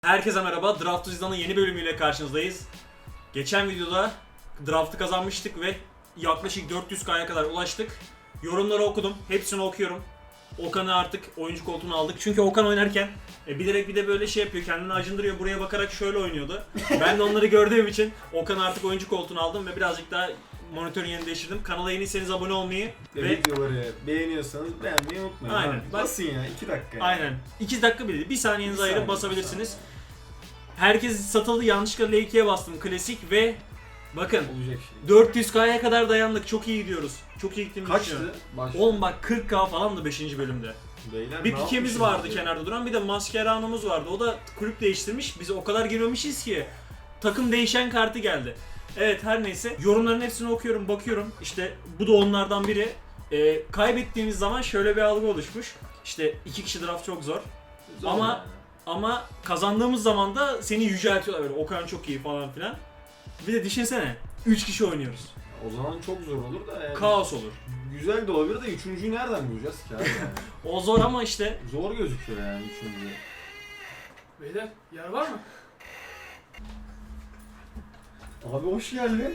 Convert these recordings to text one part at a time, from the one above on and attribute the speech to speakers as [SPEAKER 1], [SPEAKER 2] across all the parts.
[SPEAKER 1] Herkese merhaba. Draft Tuzdan'ın yeni bölümüyle karşınızdayız. Geçen videoda draft'ı kazanmıştık ve yaklaşık 400K'ya kadar ulaştık. Yorumları okudum. Hepsini okuyorum. Okan'ı artık oyuncu koltuğuna aldık. Çünkü Okan oynarken bilerek bir de böyle şey yapıyor. Kendini acındırıyor. Buraya bakarak şöyle oynuyordu. Ben de onları gördüğüm için Okan'ı artık oyuncu koltuğuna aldım ve birazcık daha monitörün yerini değiştirdim. Kanala yeniyseniz abone olmayı ve
[SPEAKER 2] videoları beğeniyorsanız beğenmeyi unutmayın.
[SPEAKER 1] Aynen.
[SPEAKER 2] Abi. Basın ya 2 dakika. Yani.
[SPEAKER 1] aynen 2 dakika bile değil. 1 saniyenizi
[SPEAKER 2] Bir
[SPEAKER 1] ayırıp
[SPEAKER 2] saniye,
[SPEAKER 1] basabilirsiniz. Herkes satıldı. Yanlışlıkla L2'ye bastım. Klasik ve bakın
[SPEAKER 2] Olacak şey.
[SPEAKER 1] 400K'ya kadar dayandık. Çok iyi gidiyoruz. Çok iyi gittiğimizi düşünüyorum.
[SPEAKER 2] Kaçtı? Başta.
[SPEAKER 1] Oğlum bak 40K falan da 5. bölümde.
[SPEAKER 2] Beyler,
[SPEAKER 1] Bir
[SPEAKER 2] ne
[SPEAKER 1] pikemiz
[SPEAKER 2] yapmışız
[SPEAKER 1] vardı
[SPEAKER 2] ya?
[SPEAKER 1] kenarda duran. Bir de Mascherano'muz vardı. O da kulüp değiştirmiş. Biz o kadar girmemişiz ki. Takım değişen kartı geldi. Evet her neyse. Yorumların hepsini okuyorum, bakıyorum. İşte bu da onlardan biri. Kaybettiğimiz zaman şöyle bir algı oluşmuş. İşte 2 kişi draft çok zor.
[SPEAKER 2] Zor
[SPEAKER 1] Ama
[SPEAKER 2] yani.
[SPEAKER 1] Ama kazandığımız zaman da seni yüceltiyorlar böyle. Okan çok iyi falan filan. Bir de düşünsene 3 kişi oynuyoruz.
[SPEAKER 2] O zaman çok zor olur da yani.
[SPEAKER 1] Kaos olur.
[SPEAKER 2] Güzel de olabilir de üçüncüyü nereden bulacağız ki abi yani?
[SPEAKER 1] O zor ama işte
[SPEAKER 2] Zor gözüküyor yani üçüncü.
[SPEAKER 3] Beyler yer var mı?
[SPEAKER 2] Abi hoş geldin.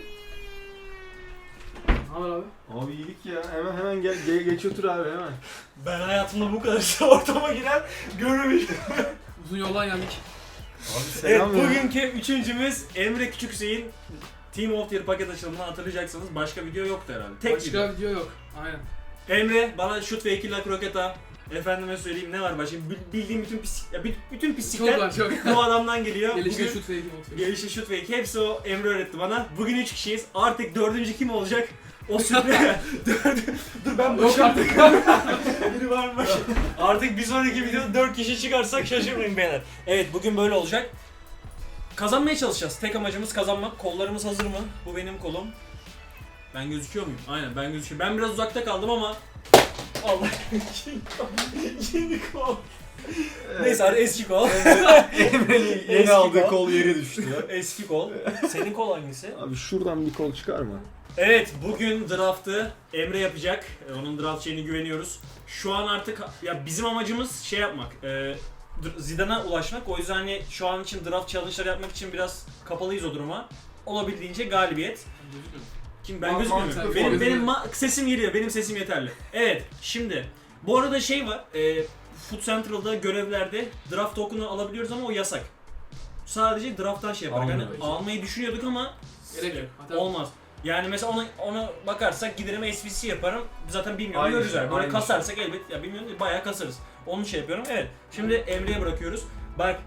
[SPEAKER 3] Ne haber abi?
[SPEAKER 2] Abi iyilik ya. Hemen gel geç otur abi hemen.
[SPEAKER 1] ben hayatımda bu kadar ortama giren görmemiştim.
[SPEAKER 3] Uzun yoldan geldik.
[SPEAKER 2] Abi
[SPEAKER 1] Evet
[SPEAKER 2] selam ya.
[SPEAKER 1] bugünkü üçüncümüz Emre Küçük Hüseyin. Team of the Year paket açılımını hatırlayacaksınız. Başka video yoktu herhalde. Tek
[SPEAKER 3] Başka
[SPEAKER 1] video.
[SPEAKER 3] video yok. Aynen.
[SPEAKER 1] Emre bana şut ve 2 lak roketa. Efendime söyleyeyim ne var başka? Bildiğim bütün pislik, ya bütün
[SPEAKER 3] Çok
[SPEAKER 1] pislikler
[SPEAKER 3] var çok.
[SPEAKER 1] bu adamdan geliyor.
[SPEAKER 3] Gelişte
[SPEAKER 1] Bugün-
[SPEAKER 3] şut fake atıyor.
[SPEAKER 1] Gelişi şut ve iki, hepsi o Emre öğretti bana. Bugün 3 kişiyiz. Artık 4. kim olacak? O sürpriz. Dur ben
[SPEAKER 3] Yok
[SPEAKER 1] başım.
[SPEAKER 3] artık.
[SPEAKER 1] Biri var mı? Artık bir sonraki videoda 4 kişi çıkarsak şaşırmayın beyler. Evet bugün böyle olacak. Kazanmaya çalışacağız. Tek amacımız kazanmak. Kollarımız hazır mı? Bu benim kolum. Ben gözüküyor muyum? Aynen ben gözüküyorum. Ben biraz uzakta kaldım ama Allah yeni kol. Neyse hadi eski kol.
[SPEAKER 2] Emre'nin
[SPEAKER 1] Eski
[SPEAKER 2] yeni aldığı
[SPEAKER 1] kol.
[SPEAKER 2] kol yere düştü.
[SPEAKER 1] Eski kol. Senin kol hangisi?
[SPEAKER 2] Abi şuradan bir kol çıkar mı?
[SPEAKER 1] Evet, bugün draft'ı Emre yapacak. Onun draft şeyine güveniyoruz. Şu an artık ya bizim amacımız şey yapmak. Zidane'a ulaşmak. O yüzden hani şu an için draft challenge'lar yapmak için biraz kapalıyız o duruma. Olabildiğince galibiyet. Kim ben gözükmüyor muyum?
[SPEAKER 3] mantıklı.
[SPEAKER 1] Benim sesim geliyor. Benim sesim yeterli. Evet, şimdi bu arada şey var. Foot Central'da görevlerde draft token'ı alabiliyoruz ama o yasak. Sadece draft'tan şey yapar. Yani
[SPEAKER 2] Almıyoruz.
[SPEAKER 1] almayı düşünüyorduk ama
[SPEAKER 3] Gerek yok. Hatta
[SPEAKER 1] olmaz. Yani mesela ona bakarsak giderim SVC yaparım. Zaten bilmiyorum
[SPEAKER 2] Aynı
[SPEAKER 1] görürüz
[SPEAKER 2] şey,
[SPEAKER 1] yani. Böyle
[SPEAKER 2] aynı
[SPEAKER 1] kasarsak elbet ya bilmiyorum bayağı kasarız. Onu şey yapıyorum. Evet. Şimdi Emre'ye bırakıyoruz. Bak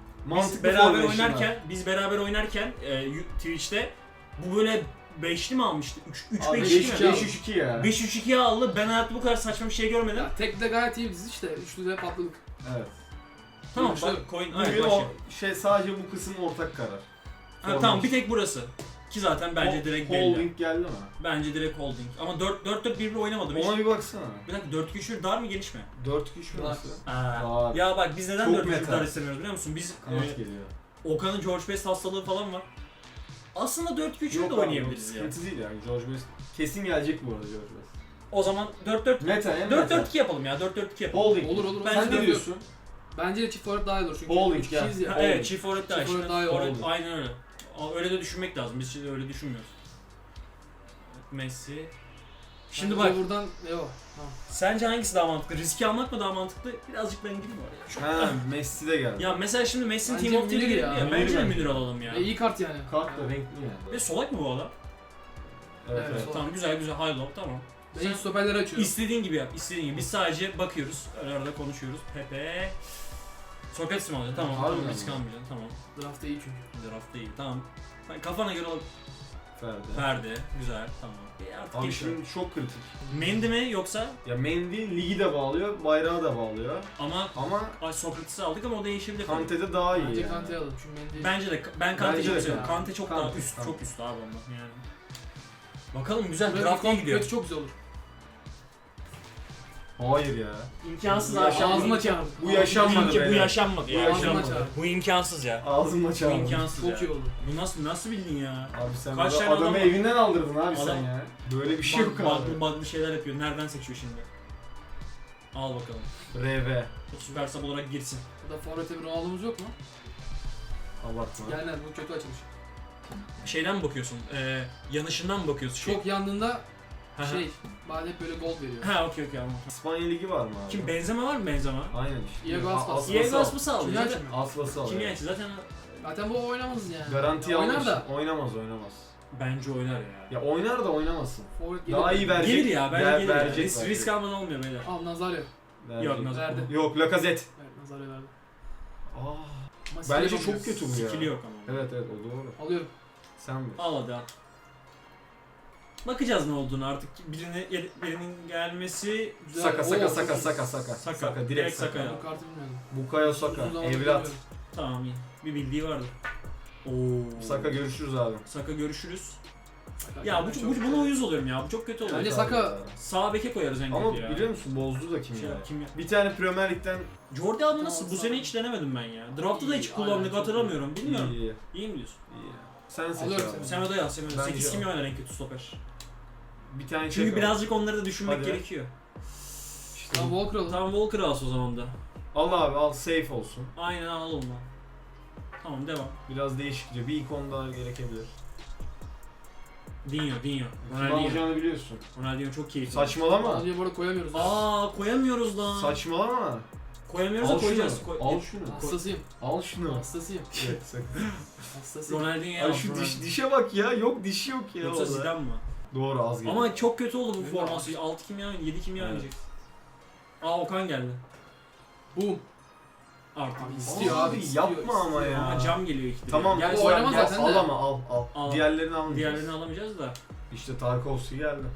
[SPEAKER 1] biz beraber oynarken Twitch'te bu böyle 5'li mi almıştı? 3 5'li mi?
[SPEAKER 2] 5-3-2 ya.
[SPEAKER 1] 5-3-2'ye aldı. Ben hayatımda bu kadar saçma bir şey görmedim.
[SPEAKER 3] ya, tek de gayet iyi biz işte. Üçlü de patladık.
[SPEAKER 2] Evet.
[SPEAKER 1] Tamam
[SPEAKER 3] işte
[SPEAKER 1] bak coin aynen
[SPEAKER 2] Bugün o
[SPEAKER 1] başlayalım.
[SPEAKER 2] şey sadece bu kısım ortak karar.
[SPEAKER 1] Ha, tamam bir tek burası. Ki zaten bence direkt belli.
[SPEAKER 2] Holding geldi mi?
[SPEAKER 1] Bence direkt holding. Ama 4-4-1 oynamadım hiç.
[SPEAKER 2] Ona bir baksana.
[SPEAKER 1] Bir dakika 4-2-3 dar mı geniş mi?
[SPEAKER 2] 4 kişi mi
[SPEAKER 3] Var.
[SPEAKER 2] nasıl?
[SPEAKER 1] Aa, ya bak biz neden
[SPEAKER 2] Çok
[SPEAKER 1] 4
[SPEAKER 2] meta.
[SPEAKER 1] dar istemiyoruz biliyor musun? Biz
[SPEAKER 2] Kanat geliyor.
[SPEAKER 1] Okan'ın George Best hastalığı falan var. Aslında 4-2-3'ü de oynayabiliriz ya.
[SPEAKER 2] Sıkıntı değil yani George Best. Kesin gelecek bu arada George Best.
[SPEAKER 1] O zaman 4-4
[SPEAKER 2] Meta en meta.
[SPEAKER 1] 4-4-2 yapalım ya. 4-4-2 yapalım.
[SPEAKER 2] Holding.
[SPEAKER 3] Olur.
[SPEAKER 1] Ben
[SPEAKER 2] Sen
[SPEAKER 1] de
[SPEAKER 2] ne diyorsun?
[SPEAKER 3] Bence de çift forvet daha iyi olur çünkü.
[SPEAKER 2] Holding,
[SPEAKER 3] üç kişiyiz ya.
[SPEAKER 1] Ha,
[SPEAKER 2] Holding.
[SPEAKER 1] evet, çift forvet daha iyi.
[SPEAKER 3] Çift forvet daha iyi
[SPEAKER 1] Forvet,
[SPEAKER 2] Holding.
[SPEAKER 1] aynen öyle. Öyle de düşünmek lazım. Biz şimdi öyle düşünmüyoruz. Messi. Şimdi
[SPEAKER 3] Bence
[SPEAKER 1] bak,
[SPEAKER 3] buradan yok. Tamam.
[SPEAKER 1] sence hangisi daha mantıklı? Riski almak mı daha mantıklı? Birazcık ben gireyim oraya. Çok...
[SPEAKER 2] Ha, Messi de geldi.
[SPEAKER 1] Ya mesela şimdi Messi'nin
[SPEAKER 3] Bence
[SPEAKER 1] Team of the Year'ı
[SPEAKER 3] Müller
[SPEAKER 1] gelebilir
[SPEAKER 3] ya.
[SPEAKER 1] ya. Bence de
[SPEAKER 2] Müller
[SPEAKER 1] Müller alalım ya.
[SPEAKER 3] İyi kart yani.
[SPEAKER 2] Kart da renkli yani.
[SPEAKER 1] Ve solak mı bu adam?
[SPEAKER 2] Evet,
[SPEAKER 3] Evet,
[SPEAKER 2] evet.
[SPEAKER 3] solak.
[SPEAKER 1] Tamam güzel high low tamam.
[SPEAKER 3] Ben ilk stoperleri açıyorum.
[SPEAKER 1] İstediğin gibi yap, istediğin gibi. Biz sadece bakıyoruz, öyle arada konuşuyoruz. Pepe... Sokrates mi alacak? Tamam,
[SPEAKER 2] Harbiden
[SPEAKER 1] tamam
[SPEAKER 2] mi?
[SPEAKER 1] risk almayacaksın, tamam.
[SPEAKER 3] Draft'ta iyi çünkü.
[SPEAKER 1] Draft değil, tamam. Sen kafana göre al.
[SPEAKER 2] Ferdi.
[SPEAKER 1] Ferdi, güzel, tamam. Artık
[SPEAKER 2] Abi
[SPEAKER 1] geç
[SPEAKER 2] şimdi çok kritik.
[SPEAKER 1] Mendy mi yoksa?
[SPEAKER 2] Ya Mendy ligi de bağlıyor, bayrağı da bağlıyor.
[SPEAKER 1] Ama
[SPEAKER 2] Ama
[SPEAKER 1] Sokrates'i aldık ama o değişebilir.
[SPEAKER 2] Kante'de daha iyi
[SPEAKER 3] Bence
[SPEAKER 2] yani.
[SPEAKER 3] Kante'yi alalım çünkü Mendy.
[SPEAKER 1] Bence de, ben Kante
[SPEAKER 2] Bence
[SPEAKER 1] çok
[SPEAKER 2] de
[SPEAKER 1] seviyorum.
[SPEAKER 2] ya.
[SPEAKER 1] Kante çok daha
[SPEAKER 2] Kante,
[SPEAKER 1] üst,
[SPEAKER 2] Kante.
[SPEAKER 1] çok üst abi ondan yani. Bakalım güzel,
[SPEAKER 3] Böyle
[SPEAKER 1] draft iyi
[SPEAKER 3] bir
[SPEAKER 1] gidiyor.
[SPEAKER 3] kötü çok güzel olur.
[SPEAKER 2] Hayır ya.
[SPEAKER 1] İmkansız
[SPEAKER 2] Bu
[SPEAKER 1] abi.
[SPEAKER 2] yaşanmadı.
[SPEAKER 3] Ağzıma çağırdım.
[SPEAKER 2] Bu yaşanmadı
[SPEAKER 1] Bu
[SPEAKER 2] beyler.
[SPEAKER 1] yaşanmadı
[SPEAKER 2] Bu
[SPEAKER 1] ya.
[SPEAKER 2] yaşanmadı.
[SPEAKER 1] Bu imkansız ya.
[SPEAKER 2] Ağzımla
[SPEAKER 1] Bu
[SPEAKER 2] çağırdım.
[SPEAKER 1] imkansız ya.
[SPEAKER 3] Çok iyi oldu.
[SPEAKER 1] Bu nasıl bildin ya?
[SPEAKER 2] Abi sen
[SPEAKER 1] Kaç
[SPEAKER 2] burada
[SPEAKER 1] tane
[SPEAKER 2] adamı
[SPEAKER 1] adam var?
[SPEAKER 2] evinden aldırdın abi sen
[SPEAKER 1] Adam-
[SPEAKER 2] ya. Böyle bir şey yok abi.
[SPEAKER 1] Bug'lı şeyler yapıyor. Nereden seçiyor şimdi? Al bakalım.
[SPEAKER 2] RV.
[SPEAKER 1] Süper sub olarak girsin.
[SPEAKER 3] Burada forvete bir Ronaldo'muz yok mu?
[SPEAKER 2] Abartma.
[SPEAKER 3] Gelmez bu kötü açılış.
[SPEAKER 1] Şeyden mi bakıyorsun? Yanışından mı bakıyorsun?
[SPEAKER 3] Çok yandığında
[SPEAKER 1] Hı hı.
[SPEAKER 3] şey, bana hep böyle gol veriyor.
[SPEAKER 1] Ha okey okey anladım.
[SPEAKER 2] İspanya Ligi var mı abi?
[SPEAKER 1] Kim Benzema var mı Benzema?
[SPEAKER 2] Aynen işte.
[SPEAKER 3] Diego Aspas.
[SPEAKER 1] Diego Aspas'ı aldı.
[SPEAKER 3] Kimya
[SPEAKER 1] Zaten
[SPEAKER 3] açmıyor.
[SPEAKER 2] Aslası alıyor.
[SPEAKER 1] kimyacı zaten
[SPEAKER 3] Zaten bu oynamaz yani.
[SPEAKER 2] Garanti
[SPEAKER 3] Ya oynar
[SPEAKER 2] almış.
[SPEAKER 3] da.
[SPEAKER 2] Oynamaz.
[SPEAKER 1] bence oynar ya.
[SPEAKER 2] Ya oynar da oynamasın.
[SPEAKER 3] Forvet
[SPEAKER 2] Daha iyi verecek.
[SPEAKER 1] Gelir ya bence gelir.
[SPEAKER 2] Verecek,
[SPEAKER 1] Risk
[SPEAKER 2] verecek.
[SPEAKER 1] almadan olmuyor beyler.
[SPEAKER 3] Al Nazario.
[SPEAKER 2] Verecek.
[SPEAKER 1] Yok Nazar.
[SPEAKER 3] Verdi.
[SPEAKER 2] Yok Lacazette.
[SPEAKER 3] Evet Nazario verdi.
[SPEAKER 2] Aa,
[SPEAKER 3] Ama
[SPEAKER 2] bence
[SPEAKER 3] skill
[SPEAKER 2] çok
[SPEAKER 3] yapamıyor.
[SPEAKER 2] kötü bu ya.
[SPEAKER 1] Skill'i yok ama.
[SPEAKER 2] Evet o doğru.
[SPEAKER 3] Alıyorum.
[SPEAKER 2] Sen mi?
[SPEAKER 1] Al hadi al. Bakacağız ne olduğunu artık birinin gelmesi
[SPEAKER 3] Güzel.
[SPEAKER 2] Saka
[SPEAKER 3] Oo,
[SPEAKER 2] Saka
[SPEAKER 3] çok
[SPEAKER 2] Saka
[SPEAKER 3] iyi.
[SPEAKER 2] Saka Saka.
[SPEAKER 1] Saka.
[SPEAKER 2] Saka direkt
[SPEAKER 1] Direkt
[SPEAKER 2] Saka.
[SPEAKER 1] Saka.
[SPEAKER 3] Bu kartı bilmiyordum.
[SPEAKER 2] Bukayo Saka.
[SPEAKER 3] Uzun zamandır
[SPEAKER 2] Evlat.
[SPEAKER 3] görmüyorum.
[SPEAKER 1] tamam iyi. Bir bildiği vardır. Oo.
[SPEAKER 2] Saka görüşürüz abi.
[SPEAKER 1] Saka görüşürüz.
[SPEAKER 3] Saka
[SPEAKER 1] Ya
[SPEAKER 3] çok
[SPEAKER 1] buna uyuz oluyorum ya. Bu çok kötü oluyor.
[SPEAKER 3] Bence
[SPEAKER 2] Evet
[SPEAKER 3] Saka-
[SPEAKER 2] abi.
[SPEAKER 1] Sağ beke koyarız en
[SPEAKER 2] Ama
[SPEAKER 1] kötü ya.
[SPEAKER 2] biliyor musun bozdu da kim
[SPEAKER 1] Şey,
[SPEAKER 2] ya?
[SPEAKER 1] kim ya?
[SPEAKER 2] Bir tane Premier Lig'den
[SPEAKER 1] Jordi Alba nasıl? Bu
[SPEAKER 3] Tamam,
[SPEAKER 1] sene
[SPEAKER 3] tamam.
[SPEAKER 1] hiç denemedim ben ya. Draft'ta da hiç
[SPEAKER 3] İyi,
[SPEAKER 1] kullandık
[SPEAKER 3] aynen, çok
[SPEAKER 1] hatırlamıyorum. Bilmiyorum.
[SPEAKER 2] iyi.
[SPEAKER 1] İyi mi diyorsun?
[SPEAKER 2] iyi. Sen seç
[SPEAKER 3] Alıyorum
[SPEAKER 2] abi.
[SPEAKER 3] seni.
[SPEAKER 1] Semedo yaz Semedo.
[SPEAKER 2] Bence
[SPEAKER 1] 8 kim
[SPEAKER 2] al.
[SPEAKER 1] oynar en kötü stoper?
[SPEAKER 2] Bir tane
[SPEAKER 1] Çünkü
[SPEAKER 2] çek
[SPEAKER 1] birazcık onları da düşünmek
[SPEAKER 2] Hadi.
[SPEAKER 1] gerekiyor.
[SPEAKER 2] İşte
[SPEAKER 3] Tamam Walker alın.
[SPEAKER 1] Tamam Walker alsın o zaman da.
[SPEAKER 2] al abi al safe olsun.
[SPEAKER 1] Aynen alalım lan. Tamam devam.
[SPEAKER 2] Biraz değişikçe bir ikon daha gerekebilir.
[SPEAKER 1] Dinho.
[SPEAKER 2] Kim
[SPEAKER 1] Ronaldinho.
[SPEAKER 2] alacağını biliyorsun.
[SPEAKER 1] Ronaldinho çok keyifli.
[SPEAKER 2] Saçmalama.
[SPEAKER 3] Alınca bu arada koyamıyoruz.
[SPEAKER 1] Aa koyamıyoruz lan.
[SPEAKER 2] Saçmalama.
[SPEAKER 1] Koyamıyoruz da
[SPEAKER 2] Al
[SPEAKER 1] koyacağız.
[SPEAKER 2] şunu. Al şunu.
[SPEAKER 3] Hastasıyım.
[SPEAKER 2] Al şunu.
[SPEAKER 3] Hastasıyım.
[SPEAKER 2] Evet sakın.
[SPEAKER 3] Hastasıyım.
[SPEAKER 1] Ronaldinho'ya
[SPEAKER 2] Ay
[SPEAKER 1] al.
[SPEAKER 2] şu dişe bak ya. Yok dişi yok ya.
[SPEAKER 1] Yoksa
[SPEAKER 2] orada.
[SPEAKER 1] Zidane mı?
[SPEAKER 2] Doğru az geliyor.
[SPEAKER 1] Ama çok kötü oldu bu
[SPEAKER 3] Bilmiyorum.
[SPEAKER 1] forması. 6 kimya oynadı, 7 kimya
[SPEAKER 2] Evet.
[SPEAKER 1] oynayacak. Aa Okan geldi.
[SPEAKER 3] Boom.
[SPEAKER 1] Artık.
[SPEAKER 3] Abi İstiyor abi, istiyor,
[SPEAKER 2] yapma ama
[SPEAKER 3] istiyor.
[SPEAKER 2] ya.
[SPEAKER 1] Ama cam geliyor ikide.
[SPEAKER 2] Tamam.
[SPEAKER 1] Gel,
[SPEAKER 3] o oynamaz
[SPEAKER 2] gel,
[SPEAKER 3] zaten
[SPEAKER 2] al
[SPEAKER 3] de.
[SPEAKER 2] ama al.
[SPEAKER 1] Al.
[SPEAKER 2] Diğerlerini almayacağız.
[SPEAKER 1] Diğerlerini alamayacağız da.
[SPEAKER 2] İşte Tarkovski geldi.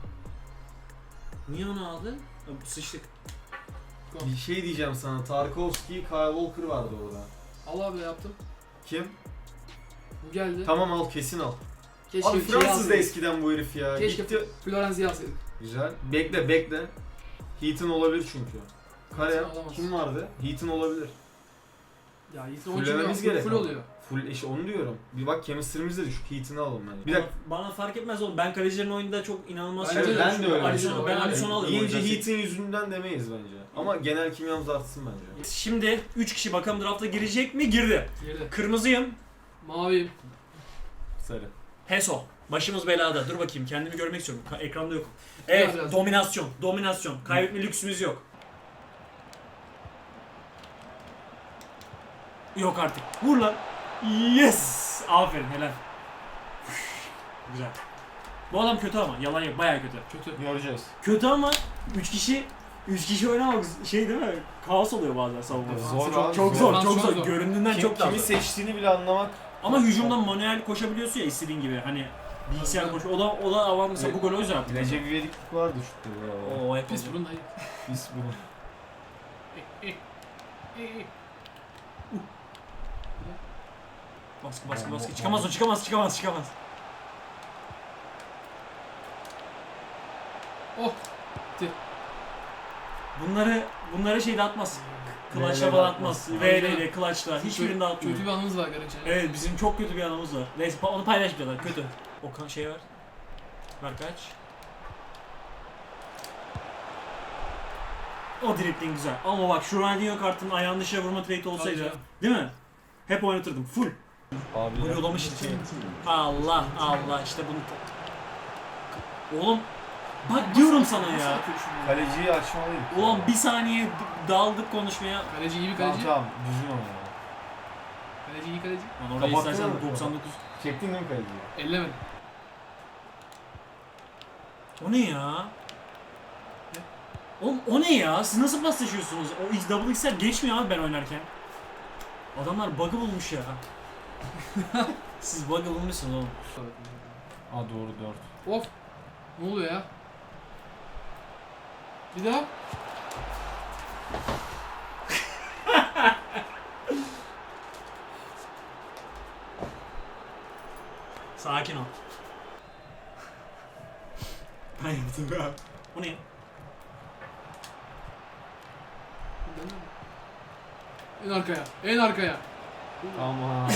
[SPEAKER 1] Niye onu aldı? Sıçtık.
[SPEAKER 2] Bir şey diyeceğim sana. Tarkovski, Kyle Walker vardı orada.
[SPEAKER 3] Al abi yaptım.
[SPEAKER 2] Kim?
[SPEAKER 3] Bu geldi.
[SPEAKER 2] Tamam al kesin al.
[SPEAKER 3] Keşke
[SPEAKER 2] Abi
[SPEAKER 3] bir şey
[SPEAKER 2] Fransız da
[SPEAKER 3] alsaydık.
[SPEAKER 2] eskiden bu herif ya.
[SPEAKER 3] Keşke
[SPEAKER 2] Gitti.
[SPEAKER 3] Florenzi'yi alsaydık.
[SPEAKER 2] Güzel. Bekle. Heaton olabilir çünkü. Kare.
[SPEAKER 3] Heaton olamaz.
[SPEAKER 2] Kim vardı? Heaton olabilir.
[SPEAKER 3] Ya Yiğit'in
[SPEAKER 2] Fullememiz gerek
[SPEAKER 3] full
[SPEAKER 2] ama.
[SPEAKER 3] oluyor.
[SPEAKER 2] Full işte onu diyorum. Bir bak chemistry'miz de düşük. Heaton'u alalım bence. Bir dakika.
[SPEAKER 1] Bana fark etmez oğlum. Ben kalecilerin oyununda çok inanılmaz
[SPEAKER 3] Bence de.
[SPEAKER 2] Ben de öyle.
[SPEAKER 1] Alisson'u ben Alisson'u alırım.
[SPEAKER 2] Yiyince
[SPEAKER 1] o yüzden.
[SPEAKER 2] Heaton yüzünden demeyiz bence. Ama genel kimyamız artsın bence.
[SPEAKER 1] Şimdi 3 kişi bakalım drafta girecek mi? Girdi.
[SPEAKER 3] Geride.
[SPEAKER 1] Kırmızıyım.
[SPEAKER 3] Maviyim.
[SPEAKER 2] Sarı.
[SPEAKER 1] Heso. Başımız belada. Dur bakayım kendimi görmek istiyorum. Ekranda yok. Evet,
[SPEAKER 3] Biraz.
[SPEAKER 1] dominasyon. Kaybetme lüksümüz yok. Yok artık. Vur lan. Yes! Aferin, helal. Güzel. Bu adam kötü ama, yalan yok, bayağı kötü.
[SPEAKER 3] Kötü.
[SPEAKER 2] Göreceğiz.
[SPEAKER 1] Kötü ama 3 kişi oynamak şey değil mi? Kaos oluyor bazen savunmada.
[SPEAKER 2] Zor
[SPEAKER 3] Çok-
[SPEAKER 2] abi,
[SPEAKER 1] Çok
[SPEAKER 2] zor.
[SPEAKER 1] zor, çok
[SPEAKER 3] Çok
[SPEAKER 1] zor.
[SPEAKER 3] zor.
[SPEAKER 1] Göründüğünden çok daha
[SPEAKER 2] Kimi
[SPEAKER 1] zor.
[SPEAKER 2] seçtiğini bile anlamak.
[SPEAKER 1] Ama hücumdan manuel koşabiliyorsun ya istediğin gibi. Hani bilgisayar koş. O da avan mesela bu golü o yüzden yaptı.
[SPEAKER 2] Recep İvediklik vardı şutta.
[SPEAKER 1] Oo hep
[SPEAKER 3] Pis burun dayı.
[SPEAKER 2] Biz bunu.
[SPEAKER 1] Baskı. Çıkamaz.
[SPEAKER 3] Oh.
[SPEAKER 1] Bunları şeyde atmaz. Clutch'la
[SPEAKER 2] VL'de
[SPEAKER 1] falan atmaz.
[SPEAKER 3] atmaz.
[SPEAKER 1] VL'yle, clutch'la. Hiçbirinde atmıyor.
[SPEAKER 3] Kötü bir anımız var Garınca.
[SPEAKER 1] Evet bizim çok kötü bir anımız var. Neyse onu paylaşmıyorlar. Kötü. Okan şey var. Ver kaç. O dribbling güzel. Ama bak şu Ronaldinho kartının ayağını dışarı vurma trade'i olsaydı.
[SPEAKER 3] Tabii canım.
[SPEAKER 1] Değil mi? Hep oynatırdım. Full.
[SPEAKER 2] Abi
[SPEAKER 1] Gol yollamış işte. Allah işte bunu. Oğlum bak diyorum sana ya.
[SPEAKER 2] Kaleciyi açmalıyım.
[SPEAKER 1] Ulan bir saniye daldık konuşmaya.
[SPEAKER 3] Kaleci iyi bir
[SPEAKER 2] Tamam
[SPEAKER 3] kaleci.
[SPEAKER 2] tamam düzgün onu ya.
[SPEAKER 3] Kaleci iyi kaleci.
[SPEAKER 1] Lan orada
[SPEAKER 2] Kapattın
[SPEAKER 1] istersen
[SPEAKER 2] mı?
[SPEAKER 1] 99.
[SPEAKER 2] Çektin değil mi kaleciyi?
[SPEAKER 3] Ellemedim.
[SPEAKER 1] O ne ya? Oğlum o ne ya? Siz nasıl paslaşıyorsunuz? O double XL geçmiyor abi ben oynarken. Adamlar bug'ı bulmuş ya. Siz bug'ı bulmuşsunuz oğlum.
[SPEAKER 2] Aa doğru 4.
[SPEAKER 3] Of. Ne oluyor ya? Bir daha.
[SPEAKER 1] Sakin ol. Ben yaptım ya. O ne?
[SPEAKER 3] En arkaya.
[SPEAKER 2] Ama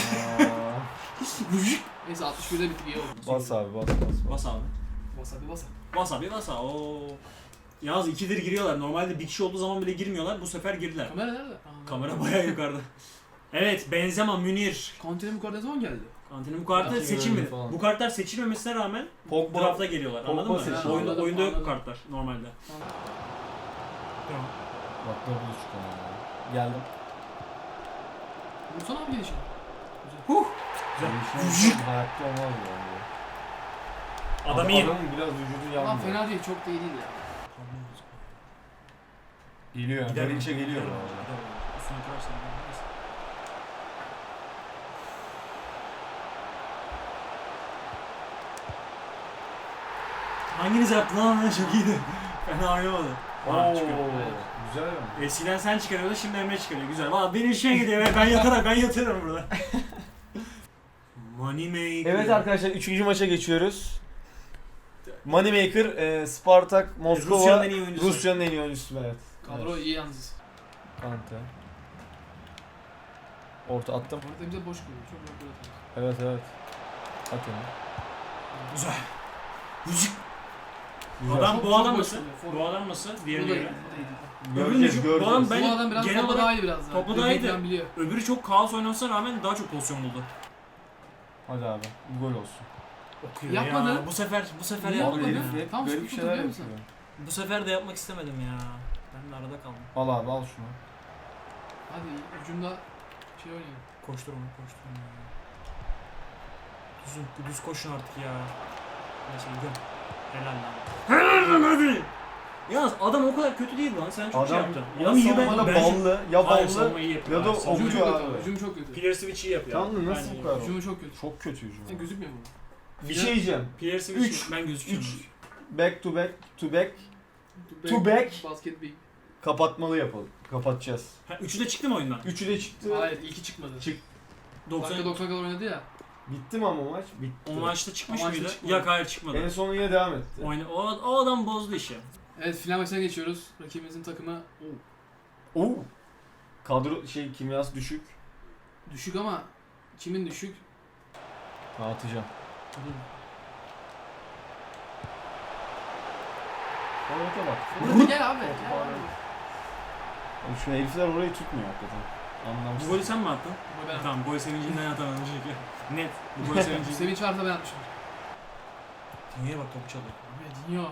[SPEAKER 3] Neyse 61'de bitti iyi oldu.
[SPEAKER 2] bas abi bas.
[SPEAKER 1] Bas abi.
[SPEAKER 3] Bas abi.
[SPEAKER 1] Bas abi. Oo. Yalnız ikidir giriyorlar. Normalde bir kişi olduğu zaman bile girmiyorlar. Bu sefer girdiler.
[SPEAKER 3] Kamera nerede? Aa,
[SPEAKER 1] Kamera bayağı yukarıda. Evet, Benzema, Münir.
[SPEAKER 3] Kantine bu kadar ne zaman geldi?
[SPEAKER 1] Kantinin bu kartlar
[SPEAKER 2] Belki
[SPEAKER 1] seçilmedi.
[SPEAKER 2] böyle falan.
[SPEAKER 1] Bu kartlar seçilmemesine rağmen
[SPEAKER 2] Pogba.
[SPEAKER 1] draft'a geliyorlar.
[SPEAKER 2] Pogba
[SPEAKER 1] Anladın mı?
[SPEAKER 2] seçildi.
[SPEAKER 1] Oyunda,
[SPEAKER 3] Anladım,
[SPEAKER 1] oyunda yok bu
[SPEAKER 3] anladım.
[SPEAKER 1] kartlar normalde. Tamam.
[SPEAKER 2] Bak ne bu çıkan ya. Geldim.
[SPEAKER 3] Vursana abi gelişini.
[SPEAKER 2] Güzel. Şey hayatta olmaz yani.
[SPEAKER 1] Adam iyi.
[SPEAKER 2] Adamın biraz vücudu
[SPEAKER 3] Ama
[SPEAKER 2] yanmıyor.
[SPEAKER 3] fena değil, çok da iyi değil ya.
[SPEAKER 2] Geliyor.
[SPEAKER 1] Gider mi?
[SPEAKER 2] Garinç'e geliyor.
[SPEAKER 1] Gider mi?
[SPEAKER 2] bu arada.
[SPEAKER 1] Gider mi? Üstüne kırarsan gider. Hanginiz yaptı lan? Çok iyiydi. Fena oynamadı. Ha, çıkıyor.
[SPEAKER 2] Güzel mi?
[SPEAKER 1] Eskiden sen çıkarıyordun, şimdi Emre çıkarıyor. Güzel. Valla benim işime gidiyor ve ben yatıyorum burada. Moneymaker.
[SPEAKER 2] Evet arkadaşlar 3. maça geçiyoruz. Moneymaker, Spartak, Moskova,
[SPEAKER 1] Rusya'nın en iyi oyuncusu.
[SPEAKER 2] Rusya'nın en iyi oyuncusu evet.
[SPEAKER 3] Kadro iyi yalnız.
[SPEAKER 2] Kante. Orta attım.
[SPEAKER 3] Orada bize boş koyuyor. Çok rahat bırakıyor.
[SPEAKER 2] Evet evet. At onu.
[SPEAKER 1] Güzel. Müzik.
[SPEAKER 2] Güzel.
[SPEAKER 1] Adam
[SPEAKER 3] Çok-
[SPEAKER 1] bu
[SPEAKER 3] çok
[SPEAKER 1] adam
[SPEAKER 3] boş
[SPEAKER 1] nasıl?
[SPEAKER 3] oluyor.
[SPEAKER 1] Bu adam nasıl?
[SPEAKER 3] Bu
[SPEAKER 1] Diğerine
[SPEAKER 3] da iyi.
[SPEAKER 1] göre.
[SPEAKER 3] Bu da iyi.
[SPEAKER 2] Göreceğiz
[SPEAKER 1] Bu adam
[SPEAKER 2] göreceğiz.
[SPEAKER 1] ben
[SPEAKER 3] Bu adam biraz
[SPEAKER 1] genel
[SPEAKER 3] topa
[SPEAKER 1] olarak
[SPEAKER 3] daha iyi biraz daha.
[SPEAKER 1] topa daha
[SPEAKER 3] Dribbling
[SPEAKER 1] iyiydi.
[SPEAKER 3] falan biliyor.
[SPEAKER 1] öbürü çok kaos oynamasına rağmen daha çok pozisyon buldu.
[SPEAKER 2] Hadi abi bir gol olsun.
[SPEAKER 1] Okuyor
[SPEAKER 3] Yapmadı.
[SPEAKER 1] ya. Bu sefer
[SPEAKER 3] Niye
[SPEAKER 1] yapmadı.
[SPEAKER 3] yapmadı?
[SPEAKER 1] ya.
[SPEAKER 2] Hep
[SPEAKER 3] Tam
[SPEAKER 2] garip
[SPEAKER 3] sıkıntı
[SPEAKER 2] şeyler
[SPEAKER 3] biliyor musun?
[SPEAKER 2] yapıyor.
[SPEAKER 1] Bu sefer de yapmak istemedim ya. Ben de arada kaldım.
[SPEAKER 2] Al abi al şunu.
[SPEAKER 3] Hadi ucunda şey oynayalım.
[SPEAKER 1] Koşturma. Ya. Düz koşun artık ya. Neyse gidiyorum. Helal lan. Hadi. Yalnız adam o kadar kötü değil lan. Sen çok şey yaptın.
[SPEAKER 2] ya
[SPEAKER 1] Adam iyi
[SPEAKER 2] savunmada
[SPEAKER 1] bence.
[SPEAKER 2] ballı ya
[SPEAKER 1] Hayır,
[SPEAKER 2] ballı.
[SPEAKER 1] savunma iyi yapıyor.
[SPEAKER 2] ya da
[SPEAKER 1] Hayır, savunma-
[SPEAKER 3] Hücum
[SPEAKER 2] Okuyor
[SPEAKER 3] çok kötü.
[SPEAKER 2] abi.
[SPEAKER 3] Hücum çok kötü.
[SPEAKER 1] Pierre Switch iyi yapıyor.
[SPEAKER 2] Tamam da nasıl
[SPEAKER 1] Bence
[SPEAKER 2] bu
[SPEAKER 1] iyi.
[SPEAKER 2] kadar?
[SPEAKER 3] Hücumu çok kötü.
[SPEAKER 2] Çok kötü hücum.
[SPEAKER 3] Sen gözükmüyor mu?
[SPEAKER 2] Bir şey diyeceğim.
[SPEAKER 1] Pierre Switch
[SPEAKER 2] Üç.
[SPEAKER 1] ben gözüküyorum.
[SPEAKER 2] 3 back to back to back To back.
[SPEAKER 3] Basket big.
[SPEAKER 2] kapatmalı yapalım. Kapatacağız.
[SPEAKER 1] Ha, üçü de çıktı mı oyundan?
[SPEAKER 2] 3'ü de çıktı.
[SPEAKER 3] Hayır ilki çıkmadı.
[SPEAKER 2] Çık.
[SPEAKER 1] 90
[SPEAKER 3] Dakika 90 kadar oynadı ya.
[SPEAKER 2] Bitti mi ama maç? Bitti.
[SPEAKER 1] o maçta çıkmış
[SPEAKER 3] O maçta
[SPEAKER 1] mıydı?
[SPEAKER 3] çıkmadı.
[SPEAKER 1] Yok hayır çıkmadı.
[SPEAKER 2] En son yine devam etti.
[SPEAKER 1] O adam bozdu işi.
[SPEAKER 3] Evet final maçına geçiyoruz. Rakibimizin takımı
[SPEAKER 2] Oo. Kadro kimyası düşük.
[SPEAKER 3] düşük ama kimin düşük?
[SPEAKER 2] Atacağım. Orta bak.
[SPEAKER 3] Burada gel abi.
[SPEAKER 2] Orta
[SPEAKER 3] Gel abi.
[SPEAKER 2] Oğlum şu herifler orayı tutmuyor hakikaten.
[SPEAKER 1] Bu
[SPEAKER 2] Anlamsız.
[SPEAKER 1] golü sen mi attın?
[SPEAKER 3] Bu ben.
[SPEAKER 1] Tamam gol sevincinden atamadım çünkü. Net. Bu gol sevincinden.
[SPEAKER 3] Sevinç varsa ben atmışım.
[SPEAKER 1] Niye bak topu çalıyor.
[SPEAKER 3] Abi Dinho.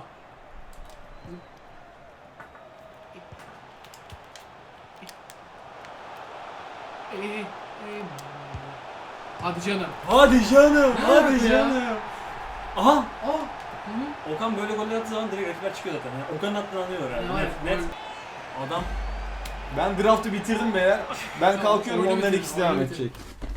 [SPEAKER 3] Hadi canım.
[SPEAKER 1] Hadi canım.
[SPEAKER 3] Ne
[SPEAKER 1] Hadi
[SPEAKER 3] yaptı ya?
[SPEAKER 1] canım. Aha.
[SPEAKER 3] Aa. Hı hı.
[SPEAKER 1] Okan böyle goller attığı zaman direkt rakipler çıkıyor zaten. Yani Okan'ın attığını anlıyorlar yani.
[SPEAKER 3] Ya,
[SPEAKER 1] Net.
[SPEAKER 3] gol.
[SPEAKER 1] Adam
[SPEAKER 2] Ben draftı bitirdim beyler. Ben
[SPEAKER 3] Tamam,
[SPEAKER 2] kalkıyorum
[SPEAKER 3] oyunu
[SPEAKER 2] onların
[SPEAKER 3] bitir,
[SPEAKER 2] ikisi devam
[SPEAKER 3] oyunu
[SPEAKER 2] edecek.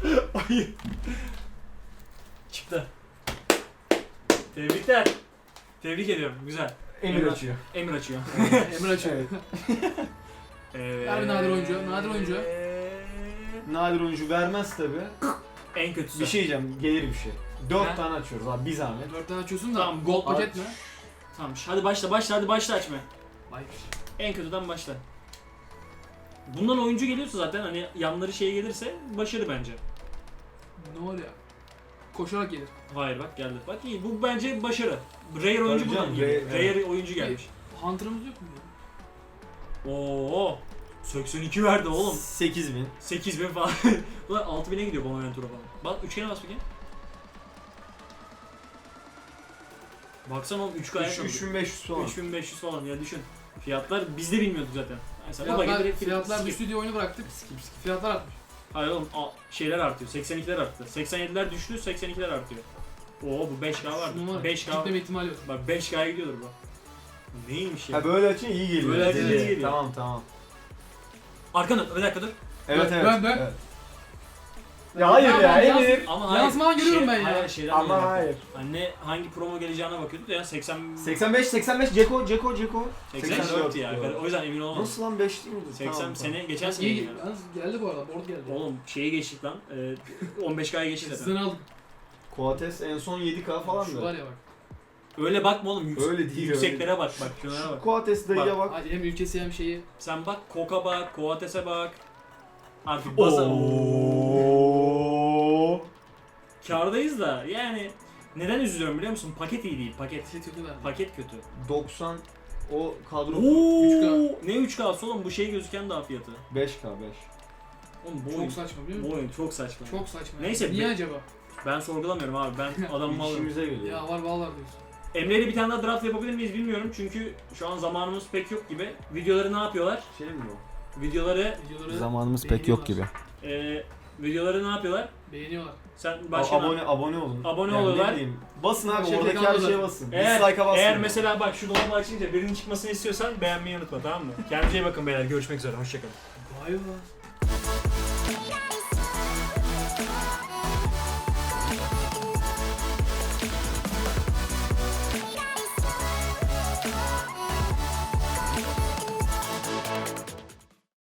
[SPEAKER 1] çıktı. Tebrikler. Tebrik ediyorum. Güzel.
[SPEAKER 2] Emir açıyor.
[SPEAKER 1] Emir açıyor.
[SPEAKER 3] Emre açıyor. Ver bir nadir oyuncu, nadir oyuncu.
[SPEAKER 2] Nadir oyuncu vermez tabi.
[SPEAKER 1] En kötüsü.
[SPEAKER 2] Bir şey diyeceğim, gelir bir şey. 4
[SPEAKER 1] Ha?
[SPEAKER 2] tane açıyoruz abi, bir zahmet.
[SPEAKER 3] 4 tane açıyorsun da
[SPEAKER 1] Tamam,
[SPEAKER 3] gold
[SPEAKER 2] aç.
[SPEAKER 3] paket mi?
[SPEAKER 1] Tamam hadi başla hadi başla açma.
[SPEAKER 3] Vay.
[SPEAKER 1] En kötüden başla. Bundan oyuncu geliyorsa zaten hani yanları şey gelirse başarı bence.
[SPEAKER 3] Ne oluyor? Koşarak gelir.
[SPEAKER 1] Hayır bak geldi. Bak iyi bu bence başarı. Rare oyuncu
[SPEAKER 2] Tabii
[SPEAKER 1] buradan
[SPEAKER 2] canım,
[SPEAKER 1] geliyor.
[SPEAKER 2] rare,
[SPEAKER 1] Rare oyuncu gelmiş.
[SPEAKER 3] Hunter'ımız yok mu?
[SPEAKER 1] Oo. 82 verdi oğlum.
[SPEAKER 2] 8000.
[SPEAKER 1] 8000 falan. Ulan 6000'e gidiyor Bonaventura falan. Bak üçgene bas bakayım. Baksana oğlum 3 gayet
[SPEAKER 2] 3500 falan.
[SPEAKER 1] 3500 falan ya düşün. Fiyatlar biz de bilmiyorduk zaten. Mesela baba
[SPEAKER 3] Fiyatlar,
[SPEAKER 1] direkt
[SPEAKER 3] fiyatlar
[SPEAKER 1] skip.
[SPEAKER 3] düştü diye oyunu bıraktık. Fiyatlar artmış.
[SPEAKER 1] Hayır oğlum şeyler artıyor. 82'ler arttı. 87'ler düştü, 82'ler artıyor. Oo bu 5K vardı.
[SPEAKER 3] Numara.
[SPEAKER 1] 5K.
[SPEAKER 3] Gitmeme ihtimali yok.
[SPEAKER 1] Bak 5K'ya gidiyordur bu. Neymiş ya?
[SPEAKER 2] Ha böyle açın iyi geliyor.
[SPEAKER 1] Böyle açınca iyi geliyor.
[SPEAKER 2] Tamam tamam.
[SPEAKER 1] Arkana bir dakika dur.
[SPEAKER 2] Evet
[SPEAKER 3] Dön,
[SPEAKER 2] evet.
[SPEAKER 3] dön, dön.
[SPEAKER 2] evet. Ya hayır
[SPEAKER 3] Tamam,
[SPEAKER 2] ya
[SPEAKER 3] yaz-
[SPEAKER 2] Emir.
[SPEAKER 1] Ama
[SPEAKER 3] Yansımadan görüyorum ben ya.
[SPEAKER 1] Hayır şeyden
[SPEAKER 2] Ama
[SPEAKER 1] dolayı.
[SPEAKER 2] hayır.
[SPEAKER 1] Anne hangi promo geleceğine bakıyorduk ya 80
[SPEAKER 2] 85 Ceko.
[SPEAKER 1] 84 ya.
[SPEAKER 2] doğru.
[SPEAKER 1] O yüzden emin olamadım.
[SPEAKER 2] Nasıl lan 5 değil miydi?
[SPEAKER 1] 80
[SPEAKER 2] Tamam,
[SPEAKER 1] sene geçen sene
[SPEAKER 3] İyi
[SPEAKER 1] yani.
[SPEAKER 3] yalnız geldi bu arada. Board geldi.
[SPEAKER 1] Oğlum şeyi geçtik lan. 15K'ya geçtik
[SPEAKER 3] Sizden
[SPEAKER 1] zaten.
[SPEAKER 3] aldım.
[SPEAKER 2] Coates en son 7K falan
[SPEAKER 3] Şu
[SPEAKER 2] da.
[SPEAKER 3] var ya bak.
[SPEAKER 1] Öyle bakma oğlum.
[SPEAKER 2] Öyle değil,
[SPEAKER 1] Yükseklere bak bak. Şunlara
[SPEAKER 2] Şu
[SPEAKER 1] bak.
[SPEAKER 2] Coates dayıya bak.
[SPEAKER 3] Hadi hem ülkesi hem şeyi.
[SPEAKER 1] Sen bak Koka bak, Koates'e bak. Artık basa.
[SPEAKER 2] Oo.
[SPEAKER 1] Kârdayız da yani neden üzülüyorum biliyor musun? Paket iyi değil, paket.
[SPEAKER 3] Kötü verdi.
[SPEAKER 1] Paket kötü.
[SPEAKER 2] 90 o kadro
[SPEAKER 1] Oo,
[SPEAKER 3] 3K.
[SPEAKER 1] ne 3K'sı oğlum bu şey gözüken daha fiyatı.
[SPEAKER 2] 5K 5.
[SPEAKER 1] Oğlum bu
[SPEAKER 3] Çok
[SPEAKER 1] oyun,
[SPEAKER 3] saçma biliyor
[SPEAKER 1] bu
[SPEAKER 3] musun?
[SPEAKER 1] oyun çok saçma.
[SPEAKER 3] Çok saçma.
[SPEAKER 1] Neyse,
[SPEAKER 3] Niye
[SPEAKER 1] be-
[SPEAKER 3] acaba?
[SPEAKER 1] Ben sorgulamıyorum abi. Ben adamımı alırım.
[SPEAKER 2] İşimize geliyor.
[SPEAKER 3] Ya var diyorsun.
[SPEAKER 1] Emre'yle bir tane daha draft yapabilir miyiz bilmiyorum çünkü şu an zamanımız pek yok gibi. Videoları ne yapıyorlar?
[SPEAKER 2] Şey mi bu?
[SPEAKER 1] Videoları
[SPEAKER 3] Videoları
[SPEAKER 4] Zamanımız pek yok gibi.
[SPEAKER 1] videoları ne yapıyorlar?
[SPEAKER 3] beğeniyorlar.
[SPEAKER 1] Sen başka
[SPEAKER 2] Abone olun.
[SPEAKER 1] Abone
[SPEAKER 2] Yani
[SPEAKER 1] oluyorlar.
[SPEAKER 2] ne bileyim, basın abi
[SPEAKER 3] Şeyde
[SPEAKER 2] oradaki her
[SPEAKER 3] kaldı.
[SPEAKER 2] şeye basın.
[SPEAKER 1] Eğer,
[SPEAKER 2] Dislike'a basın.
[SPEAKER 1] eğer mesela bak şu dolabı açınca birinin çıkmasını istiyorsan beğenmeyi unutma, tamam mı? Kendinize iyi bakın beyler, görüşmek üzere, hoşçakalın.
[SPEAKER 3] Vay be.